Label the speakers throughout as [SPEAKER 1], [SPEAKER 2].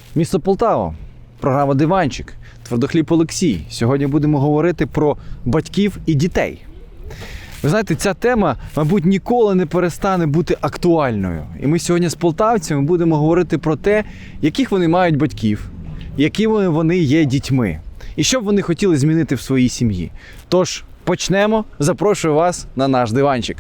[SPEAKER 1] Місто Полтава, програма «Диванчик», Твердохліб Олексій. Сьогодні будемо говорити про батьків і дітей. Ви знаєте, ця тема, мабуть, ніколи не перестане бути актуальною. І ми сьогодні з полтавцями будемо говорити про те, яких вони мають батьків, якими вони є дітьми, і що б вони хотіли змінити в своїй сім'ї. Тож, почнемо. Запрошую вас на наш диванчик.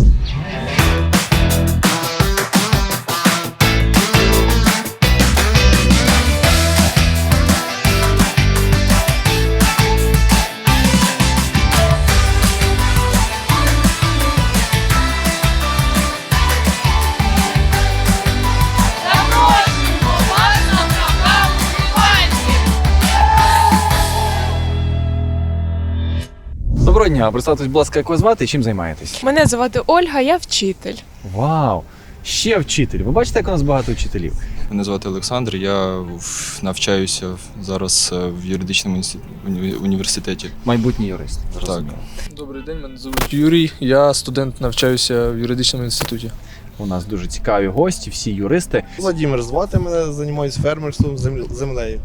[SPEAKER 1] Доброго дня, представтесь, будь ласка, як вас звати і чим займаєтесь?
[SPEAKER 2] Мене звати Ольга, я вчитель.
[SPEAKER 1] Вау! Ще вчитель. Ви бачите, як у нас багато вчителів?
[SPEAKER 3] Мене звати Олександр, я навчаюся зараз в юридичному університеті.
[SPEAKER 1] Майбутній юрист.
[SPEAKER 3] Так.
[SPEAKER 4] Добрий день, мене звуть Юрій. Я студент, навчаюся в юридичному інституті.
[SPEAKER 1] У нас дуже цікаві гості, всі юристи.
[SPEAKER 5] Владимир звати мене, займаюся фермерством, землею.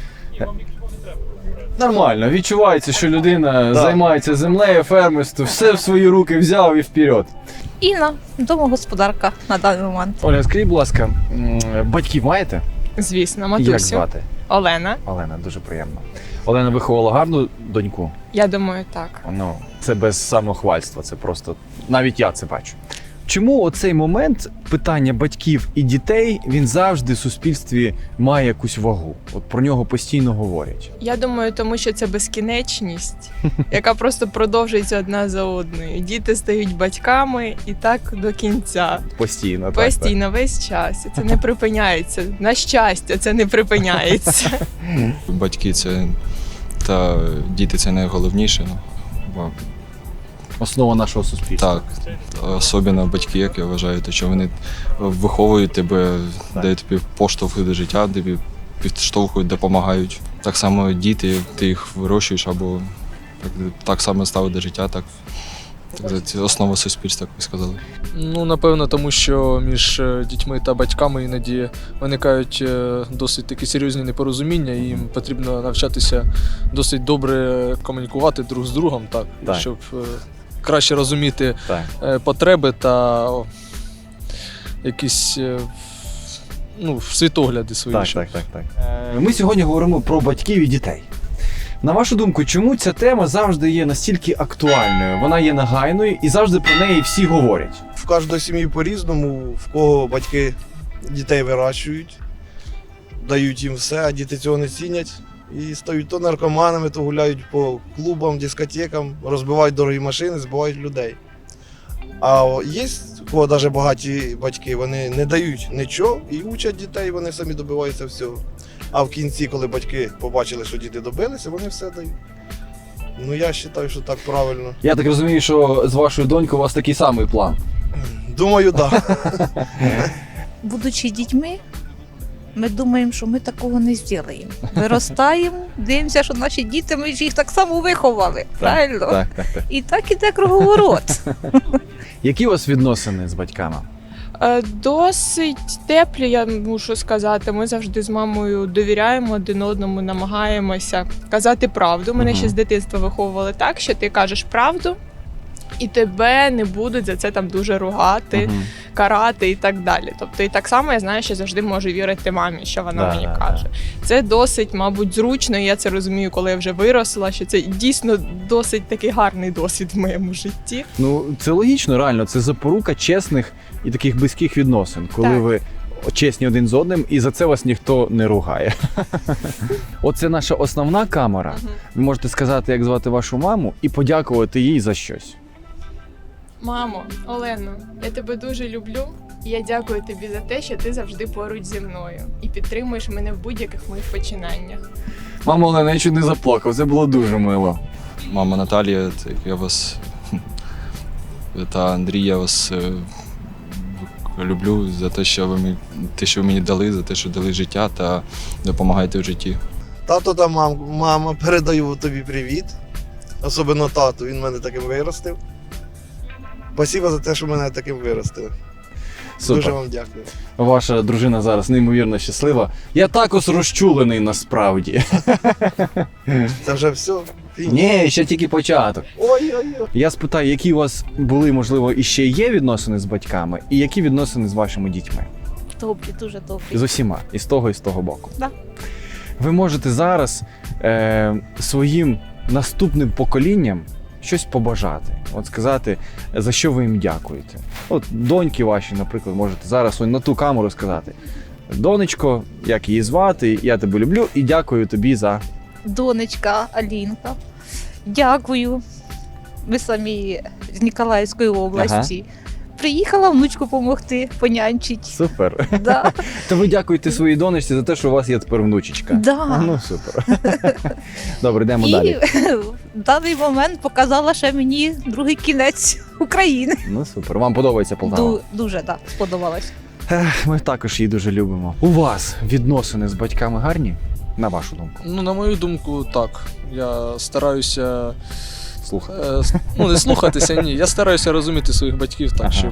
[SPEAKER 1] Нормально, відчувається, що людина займається землею, фермерством, все в свої руки взяв і вперед.
[SPEAKER 6] Інна, домогосподарка на даний момент.
[SPEAKER 1] Оля, скажіть, будь ласка, батьків маєте?
[SPEAKER 2] Звісно, матусю.
[SPEAKER 1] Як звати?
[SPEAKER 2] Олена.
[SPEAKER 1] Олена, дуже приємно. Олена виховала гарну доньку?
[SPEAKER 2] Я думаю, так.
[SPEAKER 1] Ну, це без самохвальства, це просто, навіть я це бачу. Чому оцей момент питання батьків і дітей, він завжди в суспільстві має якусь вагу? От про нього постійно говорять.
[SPEAKER 2] Я думаю, тому що це безкінечність, яка просто продовжується одна за одною. Діти стають батьками і так до кінця.
[SPEAKER 1] Постійно,
[SPEAKER 2] Постійно, весь час. І це не припиняється. На щастя, це не припиняється.
[SPEAKER 3] Батьки та діти це найголовніше.
[SPEAKER 1] Основа нашого суспільства.
[SPEAKER 3] Так, особливо батьки, як я вважаю, то що вони виховують тебе, дають тобі поштовхи до життя, тобі підштовхують, допомагають. Так само діти, ти їх вирощуєш або так само ставить до життя, так це основа суспільства, як ви сказали.
[SPEAKER 4] Ну, напевно, тому що між дітьми та батьками іноді виникають досить такі серйозні непорозуміння, і їм потрібно навчатися досить добре комунікувати друг з другом, так. Щоб краще розуміти потреби та якісь світогляди свої.
[SPEAKER 1] Так. Ми сьогодні говоримо про батьків і дітей. На вашу думку, чому ця тема завжди є настільки актуальною? Вона є нагайною і завжди про неї всі говорять.
[SPEAKER 5] В кожної сім'ї по-різному, в кого батьки дітей вирощують, дають їм все, а діти цього не цінять. І стають то наркоманами, то гуляють по клубам, дискотекам, розбивають дорогі машини, збивають людей. А є, у кого навіть багаті батьки, вони не дають нічого і учать дітей, вони самі добиваються всього. А в кінці, коли батьки побачили, що діти добилися, вони все дають. Ну, я вважаю, що так правильно.
[SPEAKER 1] Я так розумію, що з вашою донькою у вас такий самий план.
[SPEAKER 5] Думаю, так.
[SPEAKER 6] Будучи дітьми, ми думаємо, що ми такого не зробимо. Виростаємо, дивимося, що наші діти, ми ж їх так само виховали. Правильно?
[SPEAKER 1] Так.
[SPEAKER 6] І так іде круговорот.
[SPEAKER 1] Які у вас відносини з батьками?
[SPEAKER 2] Досить теплі, я мушу сказати. Ми завжди з мамою довіряємо один одному, намагаємося казати правду. Мене ще з дитинства виховували так, що ти кажеш правду, і тебе не будуть за це там дуже ругати, карати і так далі. Тобто і так само я знаю, що завжди можу вірити мамі, що вона мені каже. Це досить, мабуть, зручно, і я це розумію, коли я вже виросла, що це дійсно досить такий гарний досвід в моєму житті.
[SPEAKER 1] Ну, це логічно, реально, це запорука чесних і таких близьких відносин, коли ви чесні один з одним, і за це вас ніхто не ругає. Оце наша основна камера. Ви можете сказати, як звати вашу маму, і подякувати їй за щось.
[SPEAKER 2] Мамо, Олено, я тебе дуже люблю, і я дякую тобі за те, що ти завжди поруч зі мною і підтримуєш мене в будь-яких моїх починаннях.
[SPEAKER 1] Мамо, Олена, я чуть не заплакав, це було дуже мило.
[SPEAKER 3] Мама Наталія, я вас та Андрій, я вас люблю за те, що ви мені дали, за те, що дали життя та допомагаєте в житті.
[SPEAKER 5] Тато та мама, передаю тобі привіт. Особливо тату, він мене таким виростив. Спасибо за те, що мене таким виростили.
[SPEAKER 1] Супер.
[SPEAKER 5] Дуже вам дякую.
[SPEAKER 1] Ваша дружина зараз неймовірно щаслива. Я також розчулений насправді.
[SPEAKER 5] Це вже все. Фініш.
[SPEAKER 1] Ні, ще тільки початок.
[SPEAKER 5] Ой-ой-ой.
[SPEAKER 1] Я спитаю, які у вас були, можливо, і ще є відносини з батьками, і які відносини з вашими дітьми?
[SPEAKER 6] Добрі, дуже добрі.
[SPEAKER 1] З усіма, і з того боку.
[SPEAKER 6] Да.
[SPEAKER 1] Ви можете зараз своїм наступним поколінням щось побажати. От сказати, за що ви їм дякуєте. От доньки ваші, наприклад, можете зараз на ту камеру сказати: донечко, як її звати, я тебе люблю і дякую тобі за.
[SPEAKER 6] Донечка Алінка. Дякую. Ми самі з Ніколаївської області. Приїхала внучку допомогти, понянчить.
[SPEAKER 1] Супер.
[SPEAKER 6] Да.
[SPEAKER 1] То ви дякуєте своїй донечці за те, що у вас є тепер внучечка.
[SPEAKER 6] Да.
[SPEAKER 1] Ну, супер. Добре, йдемо
[SPEAKER 6] І
[SPEAKER 1] далі.
[SPEAKER 6] в даний момент показала ще мені другий кінець України.
[SPEAKER 1] Ну, супер. Вам подобається Полтава?
[SPEAKER 6] Дуже так, сподобалось.
[SPEAKER 1] Ми також її дуже любимо. У вас відносини з батьками гарні? На вашу думку?
[SPEAKER 4] Ну, на мою думку, так. Я стараюся
[SPEAKER 1] Слухай.
[SPEAKER 4] не слухатися, ні. Я стараюся розуміти своїх батьків так,
[SPEAKER 1] Ага.
[SPEAKER 4] щоб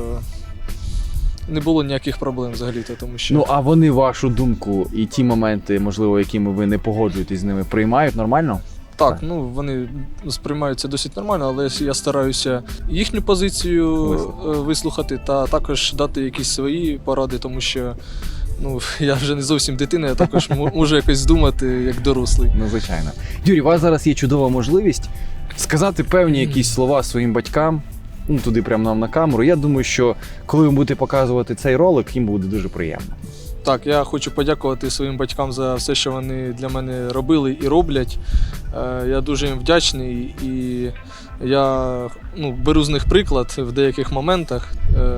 [SPEAKER 4] не було ніяких проблем взагалі-то, тому що.
[SPEAKER 1] Ну, а вони вашу думку і ті моменти, можливо, якими ви не погоджуєтесь з ними, приймають нормально?
[SPEAKER 4] Так, ну вони сприймаються досить нормально, але я стараюся їхню позицію вислухати та також дати якісь свої поради, тому що я вже не зовсім дитина, я також можу якось здумати як дорослий.
[SPEAKER 1] Ну, звичайно. Юрій, у вас зараз є чудова можливість сказати певні якісь слова своїм батькам, туди прямо нам на камеру. Я думаю, що коли ви будете показувати цей ролик, їм буде дуже приємно.
[SPEAKER 4] Так, я хочу подякувати своїм батькам за все, що вони для мене робили і роблять. Я дуже їм вдячний і я беру з них приклад в деяких моментах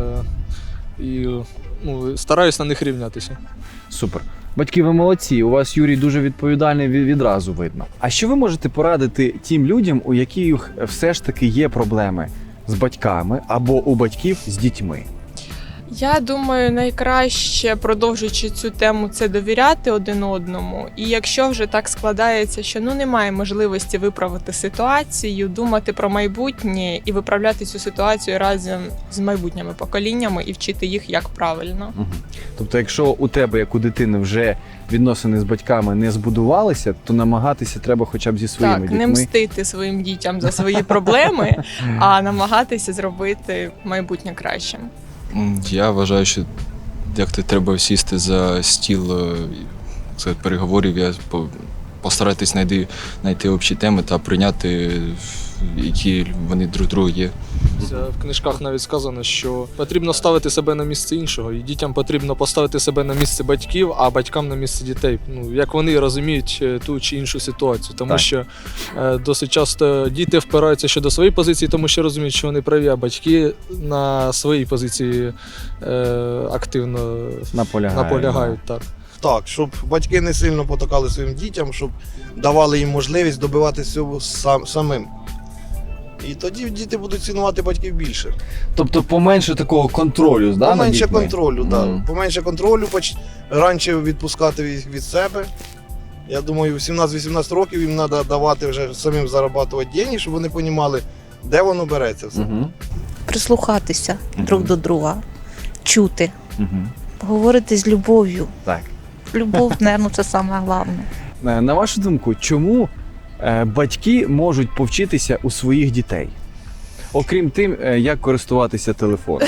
[SPEAKER 4] і стараюсь на них рівнятися.
[SPEAKER 1] Супер. Батьки, ви молодці, у вас, Юрій, дуже відповідальний відразу видно. А що ви можете порадити тим людям, у яких все ж таки є проблеми з батьками або у батьків з дітьми?
[SPEAKER 2] Я думаю, найкраще, продовжуючи цю тему, це довіряти один одному. І якщо вже так складається, що немає можливості виправити ситуацію, думати про майбутнє і виправляти цю ситуацію разом з майбутніми поколіннями і вчити їх, як правильно.
[SPEAKER 1] Угу. Тобто, якщо у тебе, як у дитини, вже відносини з батьками не збудувалися, то намагатися треба хоча б зі своїми
[SPEAKER 2] Так,
[SPEAKER 1] дітьми.
[SPEAKER 2] не мстити своїм дітям за свої проблеми, а намагатися зробити майбутнє кращим.
[SPEAKER 3] Я вважаю, що треба сісти за стіл переговорів, постаратись знайти общі теми та прийняти, які вони друг другу є.
[SPEAKER 4] В книжках навіть сказано, що потрібно ставити себе на місце іншого, і дітям потрібно поставити себе на місце батьків, а батькам на місце дітей. Як вони розуміють ту чи іншу ситуацію. Тому
[SPEAKER 1] Так.
[SPEAKER 4] що досить часто діти впираються щодо своєї позиції, тому що розуміють, що вони праві, а батьки на своїй позиції активно наполягають. Так.
[SPEAKER 5] Так, щоб батьки не сильно потакали своїм дітям, щоб давали їм можливість добиватися всього самим. І тоді діти будуть цінувати батьків більше.
[SPEAKER 1] Тобто поменше такого контролю, да, над
[SPEAKER 5] Поменше
[SPEAKER 1] дітьми?
[SPEAKER 5] контролю,
[SPEAKER 1] Мгм.
[SPEAKER 5] Поменше контролю, раніше відпускати їх від себе. Я думаю, в 17-18 років їм треба давати вже самим заробляти гроші, щоб вони розуміли, де воно береться все.
[SPEAKER 1] Угу.
[SPEAKER 6] Прислухатися друг до друга, чути,
[SPEAKER 1] Угу.
[SPEAKER 6] говорити з любов'ю.
[SPEAKER 1] Так.
[SPEAKER 6] Любов, мабуть, це саме головне.
[SPEAKER 1] На вашу думку, чому батьки можуть повчитися у своїх дітей? Окрім тим, як користуватися телефоном.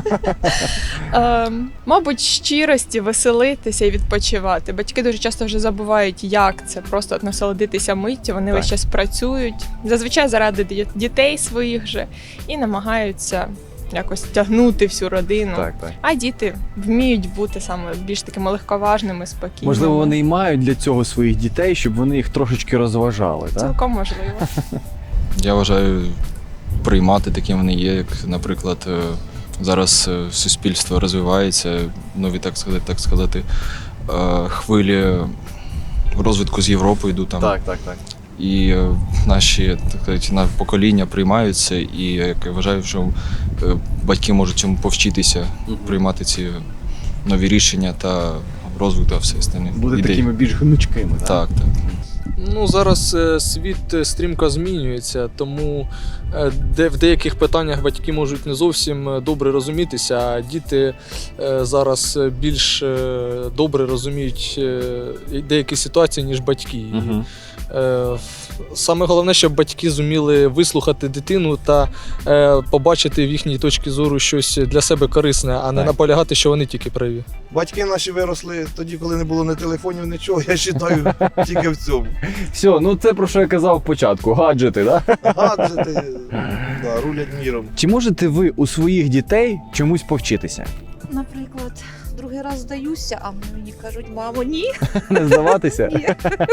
[SPEAKER 2] Мабуть, щирості, веселитися і відпочивати. Батьки дуже часто вже забувають, як це просто насолодитися миттю. Вони
[SPEAKER 1] Так.
[SPEAKER 2] весь час працюють, зазвичай заради дітей своїх же, і намагаються якось тягнути всю родину.
[SPEAKER 1] Так.
[SPEAKER 2] А діти вміють бути саме більш такими легковажними, спокійними.
[SPEAKER 1] Можливо, вони і мають для цього своїх дітей, щоб вони їх трошечки розважали. Так?
[SPEAKER 2] Цілком можливо.
[SPEAKER 3] Я вважаю, приймати такі вони є, як, наприклад, зараз суспільство розвивається, нові, так сказати, хвилі розвитку з Європи йдуть там.
[SPEAKER 1] Так.
[SPEAKER 3] І наші покоління приймаються, і я вважаю, що батьки можуть цьому повчитися, приймати ці нові рішення та розвиток та все остальне.
[SPEAKER 1] Бути
[SPEAKER 3] ідеї.
[SPEAKER 1] такими більш гнучкими.
[SPEAKER 3] Так.
[SPEAKER 4] Ну, зараз світ стрімко змінюється, тому в деяких питаннях батьки можуть не зовсім добре розумітися, а діти зараз більш добре розуміють деякі ситуації, ніж батьки.
[SPEAKER 1] Мгм.
[SPEAKER 4] Саме головне, щоб батьки зуміли вислухати дитину та побачити в їхній точці зору щось для себе корисне, а не
[SPEAKER 1] Так.
[SPEAKER 4] наполягати, що вони тільки праві.
[SPEAKER 5] Батьки наші виросли тоді, коли не було ні телефонів, нічого, я вважаю, тільки в цьому.
[SPEAKER 1] Все, ну це про що я казав спочатку, гаджети, да?
[SPEAKER 5] Гаджети да, рулять міром.
[SPEAKER 1] Чи можете ви у своїх дітей чомусь повчитися?
[SPEAKER 6] Наприклад, другий раз здаюся, а мені кажуть, мамо, ні,
[SPEAKER 1] Не здаватися?
[SPEAKER 6] ні.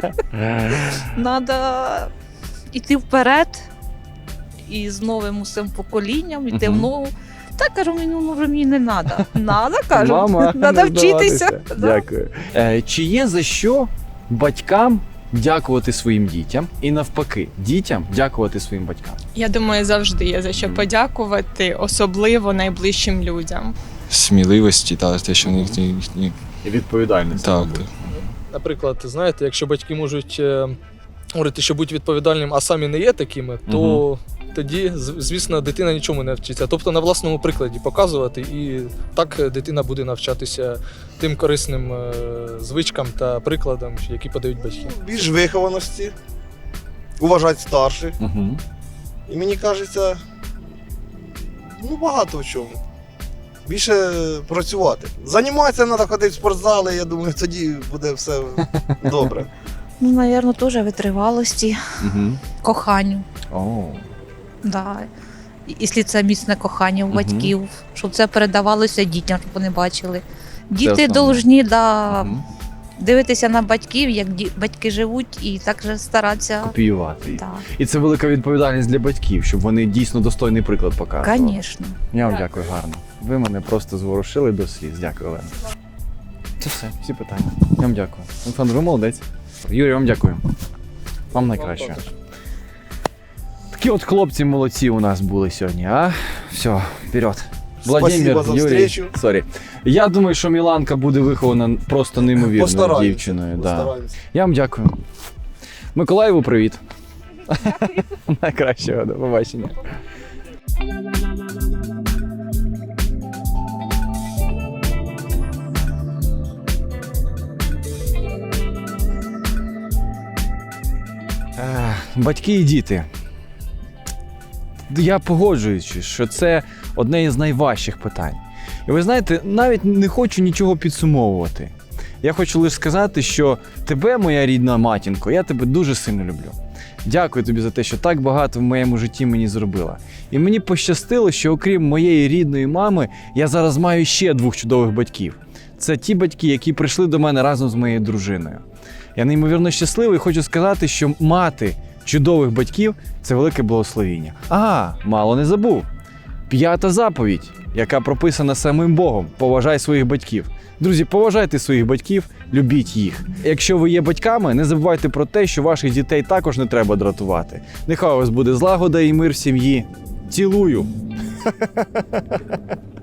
[SPEAKER 6] Треба йти вперед і з новим усім поколінням, йти в
[SPEAKER 1] Мгм.
[SPEAKER 6] нову. Та кажу, мені не треба. Надо, кажу,
[SPEAKER 1] Мама,
[SPEAKER 6] треба
[SPEAKER 1] не
[SPEAKER 6] вчитися.
[SPEAKER 1] здаватися.
[SPEAKER 6] Да.
[SPEAKER 1] Дякую. Чи є за що батькам дякувати своїм дітям і навпаки, дітям дякувати своїм батькам?
[SPEAKER 2] Я думаю, завжди є за що подякувати, особливо найближчим людям.
[SPEAKER 3] Сміливості та те, що в них їхні.
[SPEAKER 1] І відповідальність.
[SPEAKER 3] Так.
[SPEAKER 4] Наприклад, знаєте, якщо батьки можуть говорити, що будь відповідальним, а самі не є такими, то тоді, звісно, дитина нічому не вчиться. Тобто на власному прикладі показувати, і так дитина буде навчатися тим корисним звичкам та прикладам, які подають батьки.
[SPEAKER 5] Більш вихованості, уважати старших.
[SPEAKER 1] Угу.
[SPEAKER 5] І мені кажеться, ну багато в чому. Більше працювати. Займатися треба ходити в спортзали, я думаю, тоді буде все добре.
[SPEAKER 6] Ну, напевно, теж витривалості,
[SPEAKER 1] Угу.
[SPEAKER 6] коханню.
[SPEAKER 1] О.
[SPEAKER 6] Да. Якщо це міцне кохання у
[SPEAKER 1] Мгм.
[SPEAKER 6] батьків, щоб це передавалося дітям, щоб вони бачили. Діти
[SPEAKER 1] основне.
[SPEAKER 6] повинні
[SPEAKER 1] Мгм.
[SPEAKER 6] дивитися на батьків, як батьки живуть, і так же старатися.
[SPEAKER 1] Копіювати їх.
[SPEAKER 6] Так,
[SPEAKER 1] І це велика відповідальність для батьків, щоб вони дійсно достойний приклад показували.
[SPEAKER 6] звісно.
[SPEAKER 1] Я вам
[SPEAKER 2] Так.
[SPEAKER 1] дякую гарно. Ви мене просто зворушили до сліз. Дякую, Олена. Це все, всі питання. Я вам дякую. Олександр, ви молодець. Юрій, вам дякую. Вам найкраще. Такі от хлопці молодці у нас були сьогодні, а? Все, вперед.
[SPEAKER 5] Спасибо за
[SPEAKER 1] Юрій,
[SPEAKER 5] встречу.
[SPEAKER 1] сорі. Я думаю, що Міланка буде вихована просто неймовірною
[SPEAKER 5] Постараємося.
[SPEAKER 1] дівчиною. Да.
[SPEAKER 5] Постараємося.
[SPEAKER 1] Я вам дякую. Миколаєву привіт. Найкращого, до побачення. Батьки і діти. Я погоджуюсь, що це одне із найважчих питань. І ви знаєте, навіть не хочу нічого підсумовувати. Я хочу лише сказати, що тебе, моя рідна матінко, я тебе дуже сильно люблю. Дякую тобі за те, що так багато в моєму житті мені зробила. І мені пощастило, що окрім моєї рідної мами, я зараз маю ще 2 чудових батьків. Це ті батьки, які прийшли до мене разом з моєю дружиною. Я неймовірно щасливий і хочу сказати, що мати чудових батьків – це велике благословіння. Ага, мало не забув. 5-та заповідь, яка прописана самим Богом – поважай своїх батьків. Друзі, поважайте своїх батьків, любіть їх. Якщо ви є батьками, не забувайте про те, що ваших дітей також не треба дратувати. Нехай у вас буде злагода і мир в сім'ї. Цілую!